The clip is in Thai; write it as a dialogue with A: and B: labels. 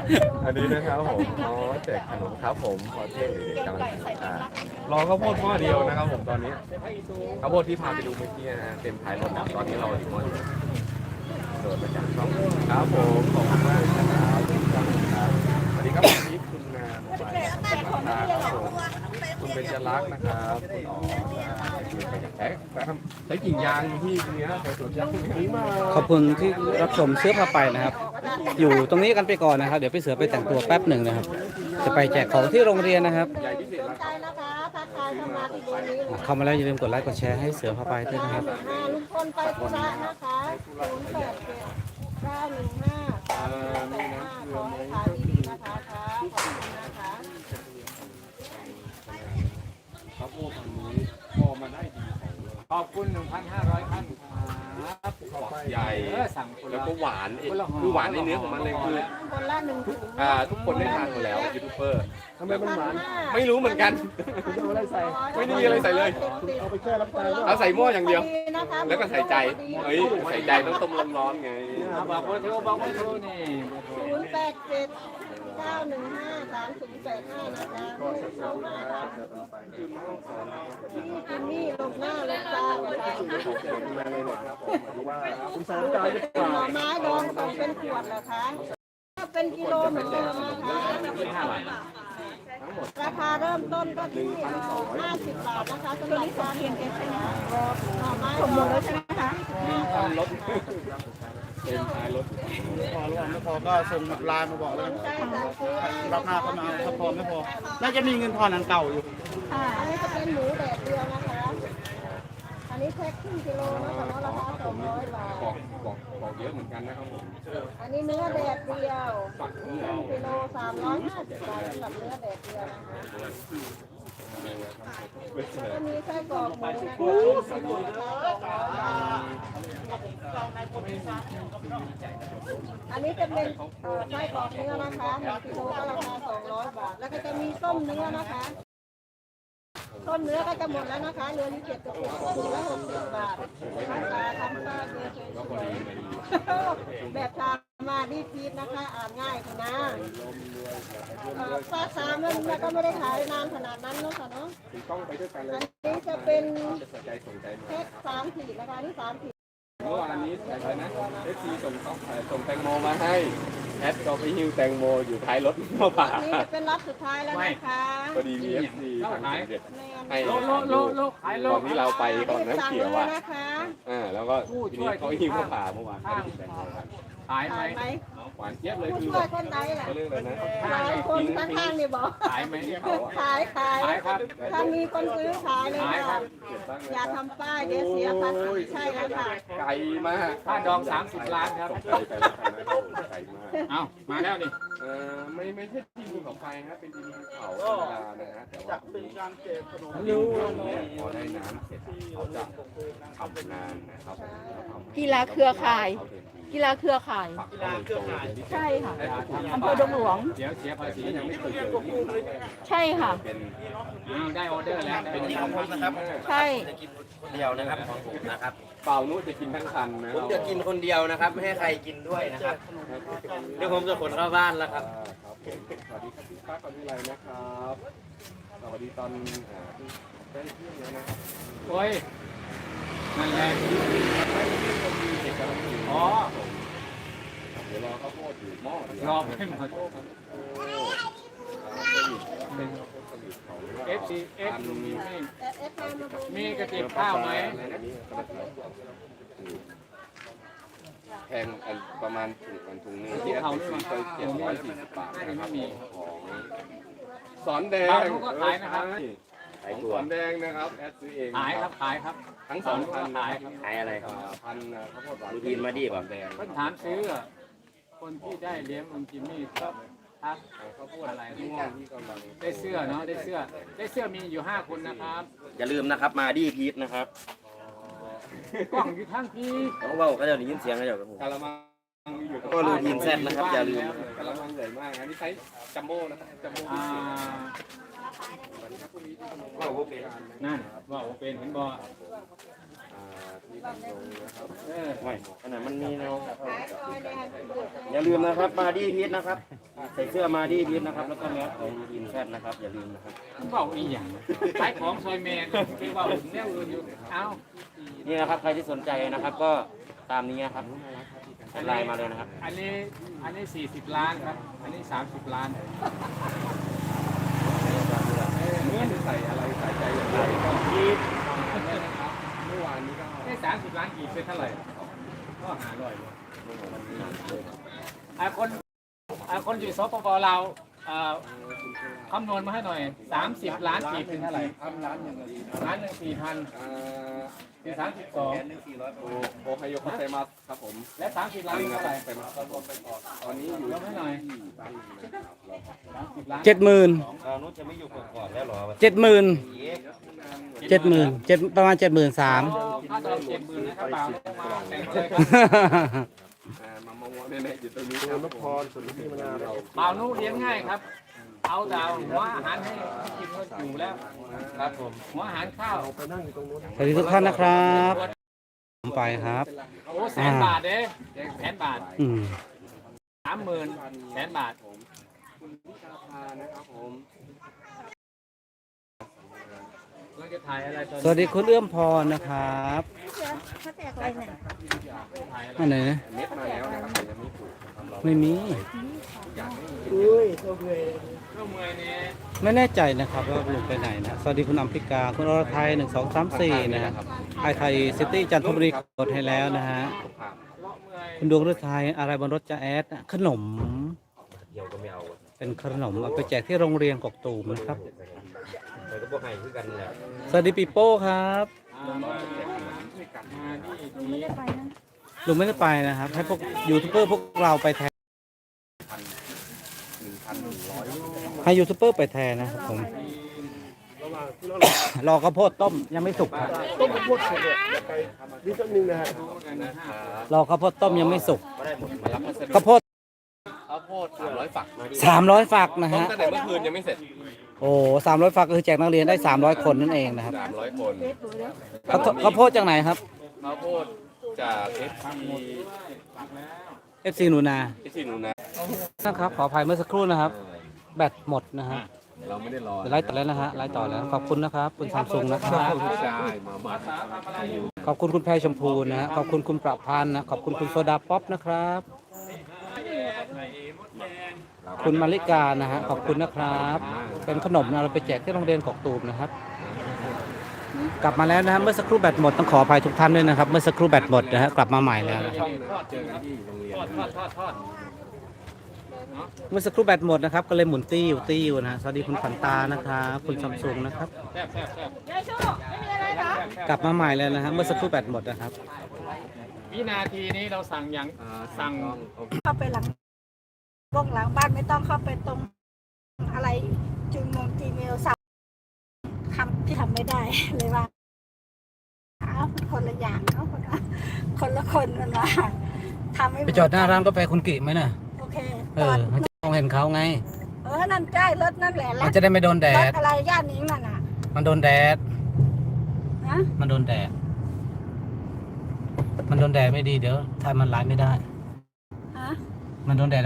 A: อันนี้นะครับผมอ๋อแจกขนมครับผมพอเท่เด็กๆกำลังทานรอข้าวโพดหม้อเดียวนะครับผมตอนนี้ข้าวโพดที่พาไปดูเมื่อกี้นะฮะเต็มท้ายรถแล้วตอนนี้เราอยู่หม้อเดียวโดดมาจากช่องครับผมขอบคุณมากนะครับครับสวัสดีครับคุณทิพย์คุณนาโมบายครับผมคุณเบญจรักษ์นะครับคุณอ๋อใช้กิ่งยางที่เนี้ยใส่สวนยางนี้มา
B: ขอบคุณที่รับชมเสื้อผ้าไปนะครับ อยู่ตรงนี้กันไปก่อนนะครับ เดี๋ยวพี่เสือไปแต่งตัวแป๊บหนึ่งนะครับ จะไปแจกของที่โรงเรียนนะครับ
A: ใหญ่พิเศษแล้ว
C: ใจนะคะทักทายเข้ามาที่ดูนี้
B: เข้ามาแล้วอย่าลืมกดไลค์กดแชร์ให้เสือผ้าไปด้วยนะครับ
C: ลุงพลไปธุระนะคะ087 915 ขอให้ขายดีๆนะคะขอบคุณนะคะ
A: ครับโอ้ตอนนี้พอมาได้ดีของเลย
D: ขอบคุณ 1,500 ท่านครับ
A: ใหญ่
D: สั่งคน
A: แล้ว
D: ละ
A: ก็หวานคือหวานในเนื้อของมันเลยคือ
C: คนละ1 ถุง
A: ทุกคนได้ทานหมดแล้วยูทูบเบอร์
E: ทำไมมันหวาน
A: ไม่รู้เหมือนกัน
E: คุณจะเอาอะไรใส่
A: ไม่ได้มีอะไรใส่เลย
E: เอาไปแช่น้ำตาลด้วย
A: เอาใส่หม้ออย่างเดียว แล้วก็ใส่ใจเฮ้ยใส่ใจต้องต้มร้อนๆไง
D: บอกว่าโทรบอกว่าโทรนี่
C: 087 915 3085นะคะพี่จิมมี่ลงหน้าลงตานะคะ
E: คุณสอนใจหรือเปล่า
C: หน่อไม้ดองส่งเป็นขวดเหรอคะถ้าเป็นกิโลเหมือนเดิมนะคะราคาเริ่มต้นก็ที่50 บาทนะคะสำหรับการเรียนเอสนะหน่อไม้หมดแล้วใช่ไหมคะ
A: รถเต็มท้ายรถ
E: พอหรือเปล่าไม่พอก็ส่งไลน์มาบอกแล้ว
C: ใช่ค่ะซื้อ
E: รับหน้าเข้ามาถ้าพอไม่พอ น่าจะมีเงินทอนอันเก่าอยู่
C: ค่ะอันนี้จะเป็นหมูแดดเดียวนะคะ อันนี้แพ็คครึ่งกิโลนะคะราคา200 บาท
A: บอกเยอะเหมือนกันนะครับผม
C: อันนี้เนื้อแดดเดียวกิโล350 บาทสำหรับเนื้อแดดเดียวนะคะก็มีไส้กรอกหมูนะคะอันนี้จะเป็นไส้กรอกเนื้อนะคะ1 กิโลก็ราคา200 บาท แล้วก็จะมีส้มเนื้อนะคะต้นเนื้อก็จะหมดแล้วนะคะเรือที่7 กระปุกถุงละ60 บาททำตาทำตาเยอะๆแบบทำมาดีฟีดนะคะอ่านง่ายค่ะนะป้าสามมันก็ไม่ได้ขายนานขนาดนั้นเนาะค่ะเนาะ
A: ถึงต้องไปด้วยกันเล
C: อั
A: ย
C: นนี้จะเป็น
A: จะสนใจสนใจ
C: แพ็ค3 ขีดนะคะที่3 ขีด
A: เมื่อวานนี้อะไรนะเอฟซีส่งแตงโมมาให้แอดก็ไปหิ้วแตงโมอยู่ท้ายรถมาผ่า
C: อันนี้จะเป็นรับสุดท้ายแล้วนะคะ
A: พอดีมีเอฟซีทางสมเด็จให้
D: โลขายโล
A: ตอนที่เราไปก่อนน้ำ
C: สั่ง
A: เขียว
C: เลย
A: อ่ะ
C: นะคะ
A: แล้วก็ทีนี้เขาหิ้วมาผ่าเมื่อวานไปกินแตงโมกัน
D: ขายไหม
C: ขายไหม
A: หวานเจี๊ยบเลย
C: ผู้
A: คือ
C: ช่วยคนใดล่ะ
A: เขาเรียกอะไรนะ
C: หลายคนข้างๆนี่บอก
D: ขายไหม
C: ขาย
D: ขายครับ
C: ถ้ามีคนซื้อขายเลย
D: ขายครั
C: ค่ะ
D: บ
C: อย่าทำป้ายเดี๋ยวเสียภาษีใช่แล้วค่ะ
A: ไก่มาก
D: ค่าดอง30 ล้านครับ
A: ไก่ไปแล้วกันนะไก่มาก
D: เอามาแล้วนี่
A: ไม่ใช่ทีมภูเขาไฟนะเป็นทีมภูเขาธรรมดานะฮะแต่ว่า
E: เป็นการเก็บขนม
A: พอได้น้ำเสร็จเขาจะทำงานนะครับ
F: กีฬาเครือข่าย กีฬาเครือข่าย ใช่ค่ะอำเภอดงหลวง
D: เดี๋ยวเสียภาษี
A: ยั
D: ยัง ง
A: ไม่
D: ไม่
A: เค
D: ถึ
A: ย
D: ง
A: เจอ
F: ใช่ค่ะ
A: เป็น
D: ได้ออเดอร์แล้ว
A: เป็น
D: ได้
A: ของผมนะครับ
F: ใช่
G: คนเดียวนะครับของผมนะครับ
A: เปล่านู้จะกินทั้งคันนะ
G: ผมจะกินคนเดียวนะครับ ไม่ให้ใครกินด้วยนะครับเดี๋ยวผมจะขนเข้าบ้านแล้วครับ
A: สวัสดีครับพี่ฟ้ากับพี่ไรนะครับสวัสดีตอนได้เที่ยงแล้วนะครับ
D: โอ้ยนั่นแหละอ๋อ
A: เดี๋ยวรอข้าวโพดอยู่หม้อ
D: รอไม่หมด
A: เป็นสลิดของ
D: FC มี
C: เอฟมาดู
D: มีกระติบข้าวไหม
A: แพงอันประมาณถุงนึงที่แอปซื้อไป740 บาทนะครับของสอนแดงสอนแดงนะครับแอดซื้อเอง
D: ขายครับขายครับ
A: ทั้งสองพัน
D: ขายครับ
G: ขายอะไรครับ
A: พันข้าวโพดหวาน
G: ดูทีนมาดิป่ะ
A: แดง
D: เพิ่นถามซื้อคนที่ได้เลี้ยงลุงจิมมี่ก็ทัก
A: ข้าวโพดอะไรม่วงที่กำลัง
D: ได้เสื้อเนาะได้เสื้อมีอยู่5 คนนะครับ
G: อย่าลืมนะครับมาดีพีทนะครับ
D: กล้องอยู่ทั้งที่
G: เขาเว่าเขาจะได้ยินเสียงเขาจะกับผม
A: กะละมังอยู่
G: ก็รูทีนแซ่บนะครับอย่าลืม
A: กะละมังใหญ่มากอันนี้ใช้จัมโบ้นะครับจัมโบ้
D: อ่า
G: ว่าโอเค
D: นั่นว่าโอเป็นเห็นบ่
G: ไม่ขนาดมันมีแนวอย่าลืมนะครับมาดีพีชนะครับใส่เสื้อมาดีพีชนะครับแล้วก็แมสของอินแฟตนะครับอย่าลืมนะครับ
D: เบาอีหยังขายของซอยแมนคือว่าแนวอื่นอยู่เอ้า
G: นี่นะครับใครที่สนใจนะครับก็ตามนี้นะครับไลน์มาเลยนะครับ
D: อันนี้40 ล้านครับอันนี้30 ล้าน
A: เมื่อใส่อะไรใส่ใจอย่างไรก็เมื่อวานนี้ก็
D: ได้30 ล้านกี่เป็นเท่าไหร่ก็หาร้อยเลยคนอยู่สปปลาวคำนวณมาให้หน่อย30 ล้านกี่เป็นเท่าไหร่ล้านหนึ่ง4,000คือ32
A: โอไฮโอคาเซมัสครับผม
D: และ30 ล้านเท่าไหร่
A: ตอนนี้อยู่
D: ยกให้หน่อย30 ล้าน
B: 70,000
G: เรานุชจะไม่อยู่ก่อนแล้วหรอ
B: 70,000 70,000ประมาณ 73,000
D: ค่าตลาด70,000นะครับบ่าวมาแต่งเลยครับ
A: มามองเนี่ยอยู่ตรงนี้ครับนพรสุริมนาเรา
D: บ่าวนู้เลี้ยงง่ายครับ เอาดาวหัวอาหารให้กินก็อยู่แล้วครับผมหัวอาหารข้าว
B: สวัสดีทุกท่านนะครับผมไปครับ
D: โอ้100,000 บาทเด้100,000 บาท
B: อืม
D: 30,000 บาท
A: คุณพิชาภานะครับผม
D: เราจะถ่ายอะไรตอน
B: สวัสดีคุณเอื้อมพรนะครับ
C: เขาแจกอะไรเนี่ย
B: อันไหนนะ
A: เม็ดมาแล้วนะครับแต่ยังไม่ถูกทำเรา
B: ไม่มี
D: ก็เมื่อยเนี่ย
B: ไม่แน่ใจนะครับว่าลุงไปไหนนะ สวัสดีคุณอัมพิกา คุณอรไทย1234นะฮะไอไทยซิตี้จันทบุรีกดให้แล้วนะฮะ คุณดวงฤทัยอะไรบนรถจะแอดนะขนม
G: เดี๋ยวก็ไม่เอา
B: เป็นขนมเอาไปแจกที่โรงเรียนกกตูมนะครับ
G: ไปก็บอกให้คือกันแหละ
B: สวัสดีปีโป้ครับ
D: มานี่
B: ลุงไม่ได้ไปนะครับ ให้พวกยูทูบเบอร์พวกเราไปแทน ให้ยูทูบเบอร์ไปแทนนะครับผม รอข้าวโพดต้มยังไม่สุกครับ
A: ต้มข้าวโพดเสร็จเนี่ยไปนิดนึงนะฮะ
B: รอข้าวโพดต้มยังไม่สุก
G: ก็ได้หมดมารับพัสดุ
B: ข้าวโพด
A: ข้าวโพด300ฝัก
B: 300 ฝักนะ
A: ต้ม
B: ฮะ
A: ตั้งแต่เมื่อคืนยังไม่เสร็จ
B: โอ้300 ฝักก็คือแจกนักเรียนได้300 คนนั่นเองนะครับ
A: 300 คน
B: ข้าวโพดจากไหนครับ
A: ข้าวโพดจาก
B: FC หนูนา
A: FC หนูนะ
B: นะครับ ขออภัยเมื่อสักครู่นะครับ แบตหมดนะฮะ
A: เราไม่ได้รอ
B: เดี๋ยวไล่ต่อแล้วนะฮะ ไล่ต่อแล้ว ขอบคุณนะครับ คุณซัมซุงนะครับ
A: ใช่มาบัด
B: ขอบคุณคุณแพรชมพูนะฮะ ขอบคุณคุณประพันธ์นะ ขอบคุณคุณโซดาป๊อปนะครับ คุณมาริกานะฮะ ขอบคุณนะครับ เป็นขนมนะเราไปแจกที่โรงเรียนกกตูมนะครับ กลับมาแล้วนะฮะ เมื่อสักครู่แบตหมดต้องขออภัยทุกท่านด้วยนะครับ เมื่อสักครู่แบตหมดนะฮะ กลับมาใหม่แล้วนะครับ
A: เจอกันที่โรงเรียน
D: ทอด
B: เมื่อสักครู่แบตหมดนะครับ ก็เลยหมุนติ้วนะฮะ สวัสดีคุณฝันตานะครับ คุณซัมซุงนะครับ
D: แซ่บ
C: ยายชูไม่มีอะไรเหรอก
B: ลับมาใหม่แล้วนะฮะ เมื่อสักครู่แบตหมดนะครับ
D: วินาทีนี้เราสั่งอย่างสั่ง
C: เข้าไปหลังบ้องหลังบ้านไม่ต้องเข้าไปตรงอะไรจีเมลสั่งคำที่ทำไม่ได้เลยว่าคนละอย่างเนาะคนละคนมันว่าทำไม่
B: ไปจอดหน้าร้านกาแฟคุณกิไหมน่ะ
C: โอเค
B: เออมันจะมองเห็นเขาไง
C: นั่นใกล้รถนั่นแหละ
B: มันจะได้ไม่โดนแด
C: ร
B: ด
C: ถอะไรย่านนี้นั่นน่ะ
B: มันโดนแดด
C: ฮะ
B: มันโดนแดด มันโดนแดดไม่ดีเดี๋ยวถ่ายมันไลฟ์ไม่ได้
C: ฮะ
B: มันโดนแดด